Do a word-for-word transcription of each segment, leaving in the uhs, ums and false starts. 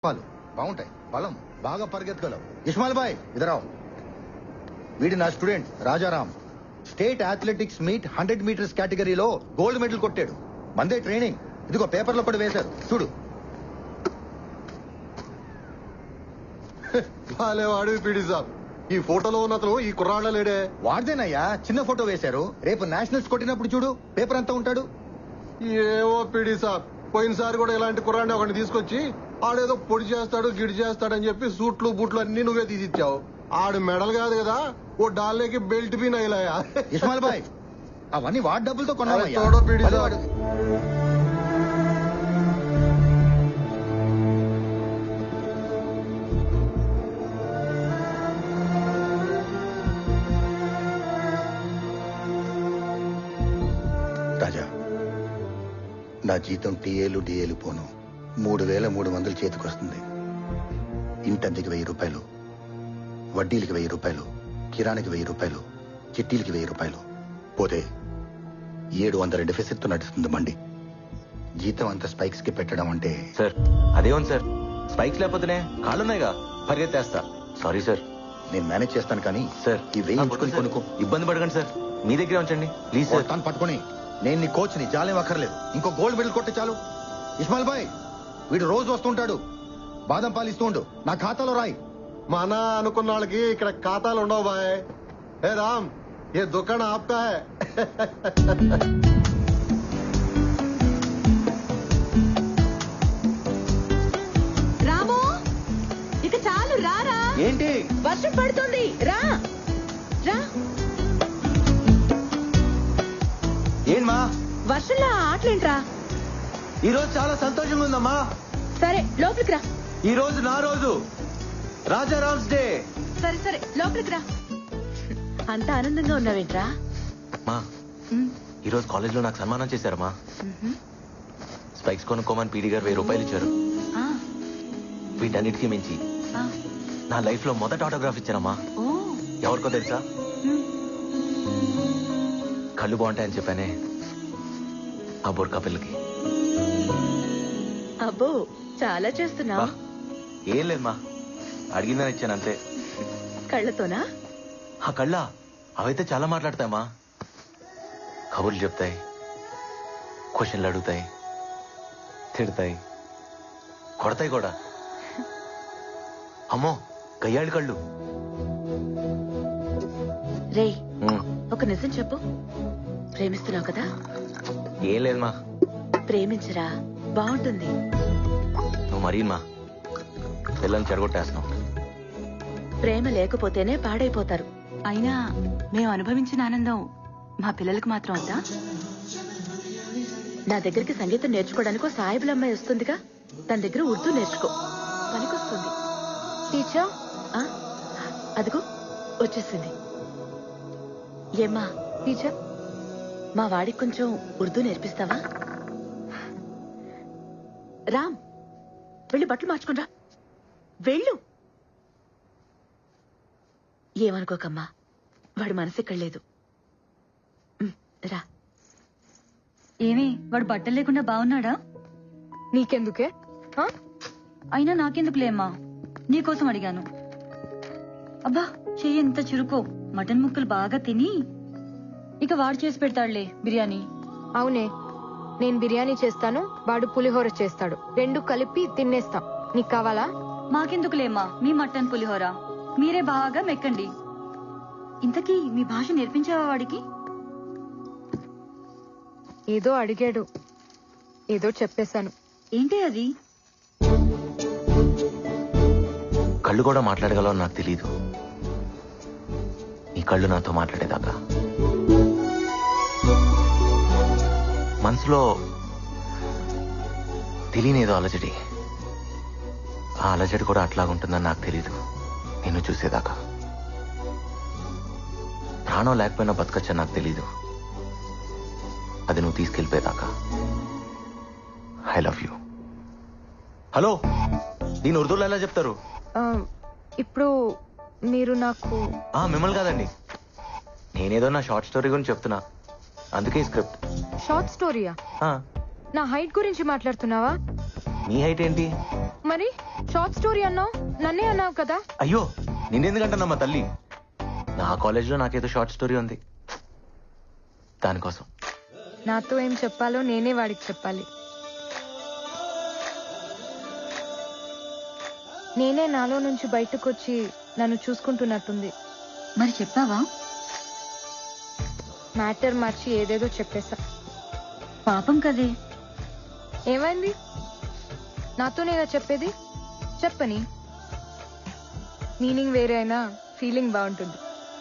పాలు బాగుంటాయి, బలం బాగా పరిగెత్తగలవు. ఇస్మాయిల్ బాయ్ ఇదరావు. వీడి నా student Rajaram. State athletics meet hundred meters కేటగిరీలో గోల్డ్ మెడల్ కొట్టాడు. మందే ట్రైనింగ్. ఇదిగో పేపర్లో కూడా వేశారు చూడు. వాడు పీడి సాబ్, ఈ ఫోటోలో ఉన్న అతను ఈ కుర్రాళ్ళ లేడే. వాడిదేనయ్యా, చిన్న ఫోటో వేశారు. రేపు నేషనల్స్ కొట్టినప్పుడు చూడు పేపర్ అంతా ఉంటాడు. ఏవో పీడి సాబ్, పోయినసారి కూడా ఇలాంటి కుర్రాడిని ఒకటి తీసుకొచ్చి ఆడేదో పొడి చేస్తాడు గిడి చేస్తాడని చెప్పి సూట్లు బూట్లు అన్ని నువ్వే తీసిచ్చావు. ఆడు మెడల్ కాదు కదా, ఓ డాల్లేకి బెల్ట్ బీ నైలాయా. ఇస్మాయిల్ బాయ్ అవన్నీ వాడి డబ్బులతో కొన్నావయ్యా. తోడో పీడి సాబ్. వాడు రాజా, నా జీతం టీఏలు డిఏలు పోను మూడు వేల మూడు వందలు చేతికొస్తుంది. ఇంటద్దెకి వెయ్యి రూపాయలు, వడ్డీలకి వెయ్యి రూపాయలు, కిరాణికి వెయ్యి రూపాయలు, చిట్టీలకి వెయ్యి రూపాయలు పోతే ఏడు వందల డెఫిసిట్ తో నడుస్తుంది మండి. జీతం అంత స్పైక్స్ కి పెట్టడం అంటే సార్ అదేమో సార్, స్పైక్స్ లేకపోతేనే కాళ్ళున్నాయిగా, పరిగెత్తేస్తా. Sorry sir. నేను మేనేజ్ చేస్తాను కానీ సార్ ఈ వెయ్యి ఉంచుకొని కొనుక్కో. ఇబ్బంది పడకండి సార్, మీ దగ్గరే ఉంచండి ప్లీజ్ సార్. తను పట్టుకొని నేను నీ కోచ్ ని, జాలేం అక్కర్లేదు. ఇంకో గోల్డ్ మెడల్ కొట్టే చాలు. ఇస్మాయిల్ బాయ్ వీడు రోజు వస్తుంటాడు, బాదం పాలు ఇస్తూ ఉండు, నా ఖాతాలో రాయి. మన అనుకున్న వాళ్ళకి ఇక్కడ ఖాతాలు ఉండవు బాయ్. ఏ రామ్, ఏ దుకాణం ఆప్కా హై. రాము, ఇక చాలు రారా. ఏంటి వర్షం పడుతుంది, రా రా. ఏంమా వర్షంలో ఆటలేంట్రా. ఈ రోజు చాలా సంతోషంగా ఉందమ్మా. సరే లోపలికి రా. ఈ రోజు నా రోజు, రాజారామ్స్ డే. సరే సరే లోపలికి రా. అంత ఆనందంగా ఉన్నావేంట్రా? మా ఈ రోజు కాలేజ్ లో నాకు సన్మానం చేశారమ్మా. స్పైక్స్ కొనుక్కోమని పీడి గారు వెయ్యి రూపాయలు ఇచ్చారు. వీటన్నిటికీ మించి నా లైఫ్ లో మొదటి ఆటోగ్రాఫ్ ఇచ్చారమ్మా. ఎవరికో తెలుసా? కళ్ళు బాగుంటాయని చెప్పానే ఆ బోర్కా పిల్లకి. అబ్బో చాలా చేస్తున్నావు. ఏం లేదమ్మా, అడిగిందని ఇచ్చాను అంతే. కళ్ళతోనా? ఆ కళ్ళ అవైతే చాలా మాట్లాడతాయమ్మా. కబుర్లు చెప్తాయి, క్వశ్చన్లు అడుగుతాయి, తిడతాయి, కొడతాయి కూడా. అమ్మో గయ్యాళి కళ్ళు. రేయ్ ఒక నిజం చెప్పు, ప్రేమిస్తున్నావు కదా? ఏం లేదమ్మా. ప్రేమించరా, బాగుంటుంది. నువ్వు మరీమా పిల్లల్ని చెడగొట్టేస్తున్నావు. ప్రేమ లేకపోతేనే పాడైపోతారు. అయినా మేము అనుభవించిన ఆనందం మా పిల్లలకు మాత్రం వద్దా? నా దగ్గరికి సంగీతం నేర్చుకోవడానికి ఒక సాయిబుల అమ్మాయి వస్తుందిగా, తన దగ్గర ఉర్దూ నేర్చుకో, పనికొస్తుంది. టీచర్ అదిగో వచ్చేసింది. ఏమ్మా టీచర్, మా వాడికి కొంచెం ఉర్దూ నేర్పిస్తావా? రామ్ వెళ్ళి బట్టలు మార్చుకుని రా, వెళ్ళు. ఏమనుకోకమ్మా, వాడు మనసు ఇక్కడ లేదు. రా. ఏమి వాడు బట్టలు లేకుండా బాగున్నాడా? నీకెందుకే? అయినా నాకెందుకులేమ్మా, నీకోసం అడిగాను. అబ్బా చెయ్యి ఎంత చురుకో, మటన్ ముక్కలు బాగా తిని ఇక వాడు చేసి పెడతాడులే బిర్యానీ. అవునే, నేను బిర్యానీ చేస్తాను, వాడు పులిహోర చేస్తాడు, రెండు కలిపి తినేస్తాం. నీకు కావాలా? మాకెందుకులేమ్మా మీ మటన్ పులిహోర, మీరే బాగా మెక్కండి. ఇంతకీ మీ భాష నేర్పించావా వాడికి? ఏదో అడిగాడు, ఏదో చెప్పేశాను. ఏంటి అది? కళ్ళు కూడా మాట్లాడగలవు నాకు తెలీదు. నీ కళ్ళు నాతో మాట్లాడేదాకా మనసులో తెలియనేదో అలజడి. ఆ అలజడి కూడా అట్లాగుంటుందని నాకు తెలీదు నిన్ను చూసేదాకా. ప్రాణం లేకపోయినా బతకచ్చని నాకు తెలీదు, అది నువ్వు తీసుకెళ్ళిపోయేదాకా. I love you. హలో, దీని ఉర్దూలో ఎలా చెప్తారు? ఇప్పుడు మీరు నాకు ఆ మిమ్మల్ని కాదండి, నేనేదో నా షార్ట్ స్టోరీ గురించి చెప్తున్నా, అందుకే స్క్రిప్ట్. షార్ట్ స్టోరీయా? నా హైట్ గురించి మాట్లాడుతున్నావా? నీ హైట్ ఏంటి? మరి షార్ట్ స్టోరీ అన్నావు, నన్నే అన్నావు కదా. అయ్యో నిన్నెందుకంటున్నామా తల్లి, నా కాలేజ్లో నాకేదో షార్ట్ స్టోరీ ఉంది దానికోసం. నాతో ఏం చెప్పాలో నేనే వాడికి చెప్పాలి. నేనే నాలో నుంచి బయటకు వచ్చి నన్ను చూసుకుంటున్నట్టుంది. మరి చెప్పావా? మ్యాటర్ మార్చి ఏదేదో చెప్పేశా. పాపం కదే. ఏమైంది? నాతోనేగా చెప్పేది, చెప్పని. మీనింగ్ వేరే అయినా ఫీలింగ్ బాగుంటుంది.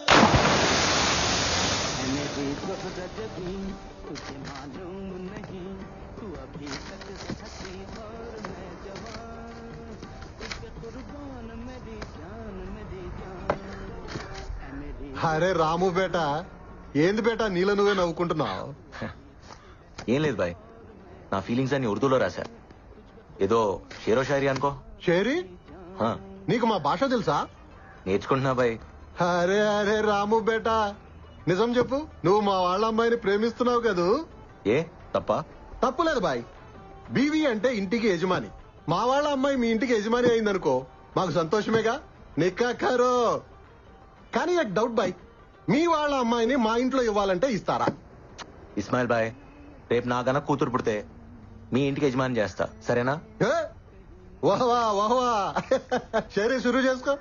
అరే రాము బేట, ఏంది బేట నీళ్ళ నువ్వే నవ్వుకుంటున్నావు? ఏం లేదు బాయ్, నా ఫీలింగ్స్ అన్ని ఉర్దూలో రాశా. ఏదో షేరో షాయరీ అనుకో. షేరీ? హా, నీకు మా భాష తెలుసా? నేర్చుకుంటున్నా బాయ్. అరే అరే రాము బేట, నిజం చెప్పు, నువ్వు మా వాళ్ళ అమ్మాయిని ప్రేమిస్తున్నావు కదూ? ఏ తప్ప? తప్పులేదు బాయ్. బీవీ అంటే ఇంటికి యజమాని. మా వాళ్ళ అమ్మాయి మీ ఇంటికి యజమాని అయిందనుకో, మాకు సంతోషమేగా. నిక్కాకారో. కానీ నాకు డౌట్ బాయ్, మీ వాళ్ళ అమ్మాయిని మా ఇంట్లో ఇవ్వాలంటే ఇస్తారా? ఇస్మాయిల్ బాయ్, రేపు నా గనక కూతురు పుడితే మీ ఇంటికి యజమాని చేస్తా, సరేనా? ఏ? వాహ్వా వాహ్వా. సరే షురూ చేసుకో.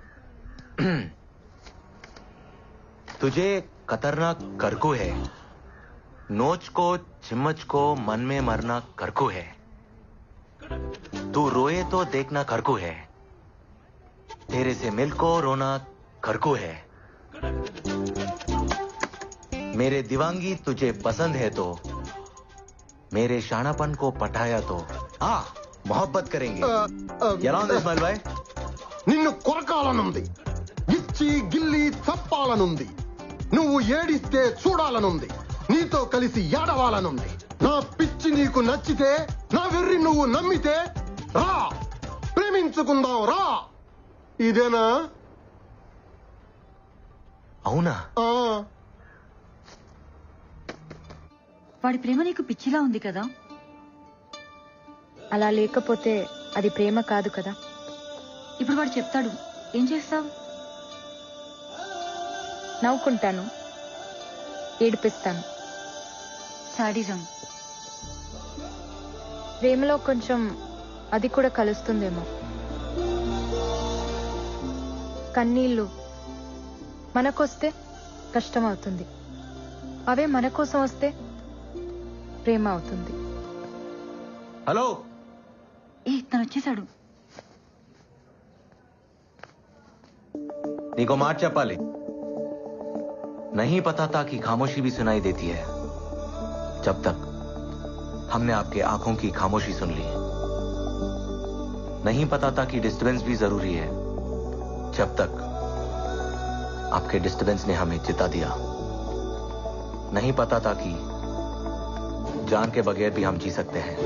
तुझे खतरनाक करकू है, नोच को चिम्मच को मन में मरना करकू है, तू रोए तो देखना करकू है, तेरे से मिल को रोना करकू है, मेरे दीवांगी तुझे पसंद है तो मेरे शानापन को पटाया तो आ मोहब्बत करेंगे. ఎలా ఉంది ఇస్మాయిల్ బాయ్? నిన్ను కొరకాలనుంది, ఇచ్చి గిల్లి చప్పాలనుంది, నువ్వు ఏడిస్తే చూడాలనుంది, నీతో కలిసి ఏడవాలనుంది. నా పిచ్చి నీకు నచ్చితే, నా వెర్రి నువ్వు నమ్మితే రా, ప్రేమించుకుందాం రా. ఇదేనా? అవునా? ఆ, వాడి ప్రేమ నీకు పిచ్చిలా ఉంది కదా. అలా లేకపోతే అది ప్రేమ కాదు కదా. ఇప్పుడు వాడు చెప్తాడు, ఏం చేస్తావు? నవ్వుకుంటాను, ఏడిపిస్తాను. సాడిజం. ప్రేమలో కొంచెం అది కూడా కలుస్తుందేమో. కన్నీళ్లు మనకొస్తే కష్టం అవుతుంది, అవే మన కోసం వస్తే ప్రేమ అవుతుంది. హలో, ఏ తను వచ్చేసాడు. నీకో మాట చెప్పాలి. नहीं पता था कि खामोशी भी सुनाई देती है, जब तक हमने आपके आंखों की खामोशी सुन ली. नहीं पता था कि डिस्टर्बेंस भी जरूरी है, जब तक आपके डिस्टर्बेंस ने हमें चिता दिया. नहीं पता था कि जान के बगैर भी हम जी सकते हैं.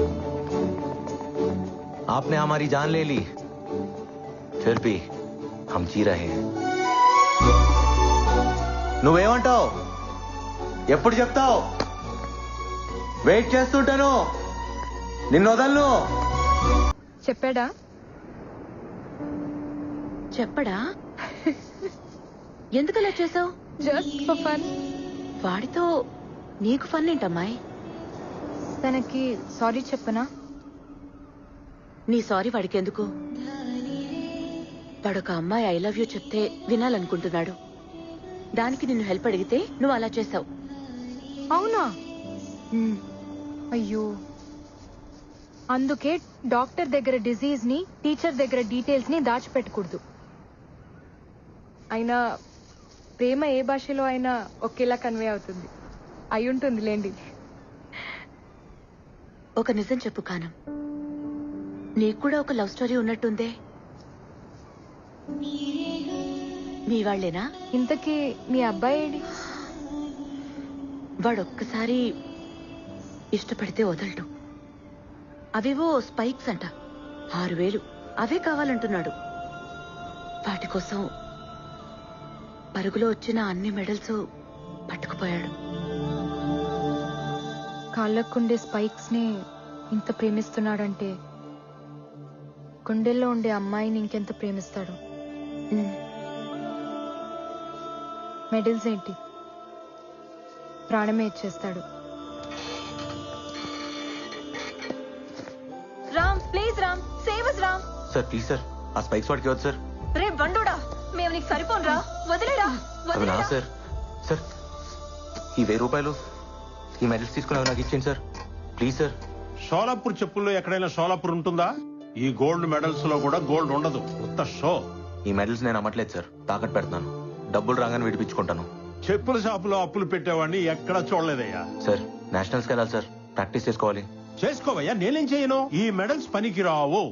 आपने हमारी जान ले ली, फिर भी हम जी रहे हैं. నువ్వేమంటావు? ఎప్పుడు చెప్తావు? వెయిట్ చేస్తుంటాను, నిన్ను వదలను. చెప్పాడా? చెప్పడా? ఎందుకలా చేసావు? Just for fun. వాడితో నీకు ఫన్ ఏంటమ్మాయి? తనకి సారీ చెప్పనా? నీ సారీ వాడికి ఎందుకు? వాడొక అమ్మాయి ఐ లవ్ యూ చెప్తే వినాలనుకుంటున్నాడు. దానికి నిన్ను హెల్ప్ అడిగితే నువ్వు అలా చేసావు. అవునా? అయ్యో, అందుకే డాక్టర్ దగ్గర డిజీజ్ ని, టీచర్ దగ్గర డీటెయిల్స్ ని దాచిపెట్టకూడదు. అయినా ప్రేమ ఏ భాషలో అయినా ఒకేలా కన్వే అవుతుంది. అయి ఉంటుంది లేండి. ఒక నిజం చెప్పు కానం, నీకు కూడా ఒక లవ్ స్టోరీ ఉన్నట్టుందే. మీ వాళ్ళేనా? ఇంతకీ మీ అబ్బాయి ఏడి? వాడొక్కసారి ఇష్టపడితే వదలడు. అవేవో స్పైక్స్ అంట, ఆరు వేలు అవే కావాలంటున్నాడు. వాటి కోసం పరుగులో వచ్చిన అన్ని మెడల్స్ పట్టుకుపోయాడు. కాళ్ళకుండే స్పైక్స్ ని ఇంత ప్రేమిస్తున్నాడంటే గుండెల్లో ఉండే అమ్మాయిని ఇంకెంత ప్రేమిస్తాడు. ఉమ్. మెడల్స్ ఏంటి, ప్రాణమే ఇచ్చేస్తాడు. Ram please Ram, save us Ram. Sir please sir, ఆ స్పైక్స్ వాడికి వద్దు సార్. రే బండోడా, మేము నీకు సరిపోనురా, వదిలేరా అవి నా వదిలేరా. సార్. సార్ ఈ వెయ్యి రూపాయలు ఈ మెడల్స్ తీసుకుని అవి నాకు ఇచ్చేయండి సార్ ప్లీజ్ సార్. షోలాపూర్ చెప్పుల్లో ఎక్కడైనా షోలాపూర్ ఉంటుందా? ఈ గోల్డ్ మెడల్స్ లో కూడా గోల్డ్ ఉండదు, ఉత్త షో. ఈ మెడల్స్ నేను అమ్మట్లేదు సార్, తాకట్టు పెడుతున్నాను. డబ్బులు రాగానే విడిపించుకుంటాను. చెప్పుల షాపులో అప్పులు పెట్టేవాడిని ఎక్కడా చూడలేదయ్యా. సార్ నేషనల్స్కి వెళ్ళాలి సార్, ప్రాక్టీస్ చేసుకోవాలి. చేసుకోవయ్యా, నేనేం చేయను. ఈ మెడల్స్ పనికి రావు.